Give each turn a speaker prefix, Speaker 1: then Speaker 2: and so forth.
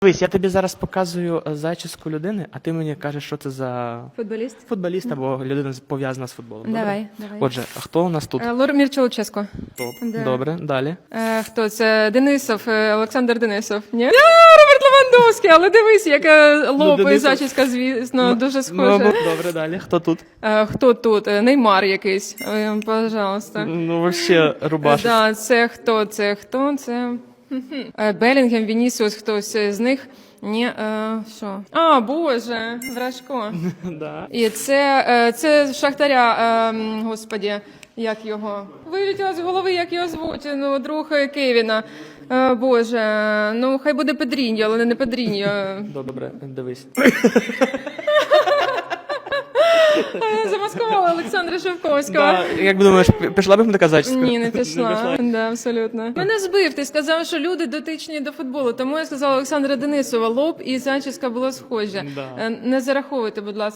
Speaker 1: Дивись, я тобі зараз показую зачіску людини, а ти мені кажеш, що це за
Speaker 2: Футболіст?
Speaker 1: футболіст або людина пов'язана з футболом. Добре?
Speaker 2: Давай.
Speaker 1: Отже, а хто у нас тут?
Speaker 2: Лормір Чолческо.
Speaker 1: Топ.
Speaker 2: да.
Speaker 1: Добре, далі.
Speaker 2: Хто це? Денисов, Олександр Денисов. Ні? Роберт Левандовський, але дивись, яка лоб і
Speaker 1: Денисов.
Speaker 2: зачіска, звісно, дуже схожа.
Speaker 1: Добре, далі. Хто тут?
Speaker 2: Хто тут? Неймар якийсь. Пожалуйста.
Speaker 1: Ну, вообще, рубашечка.
Speaker 2: Да, це хто? Це хто? Це... Белінгем, Вінісіус, хтось з них. Ні, що? А, Боже, Вражко.
Speaker 1: Да.
Speaker 2: І це Шахтаря, господі, як його? Вилетіло з голови, як його звуть, ну, друг Кевіна. Боже, ну хай буде Педріньо, але не Педріньо.
Speaker 1: Добре, дивись.
Speaker 2: Замаскувала Олександра Шевковського.
Speaker 1: Да. Як думаєш, пішла б така зачіска?
Speaker 2: Ні, не пішла. Да, абсолютно. Мене збив, ти сказав, що люди дотичні до футболу, тому я сказала Олександра Денисова, лоб і зачіска було схожа.
Speaker 1: Да.
Speaker 2: Не зараховуйте, будь ласка.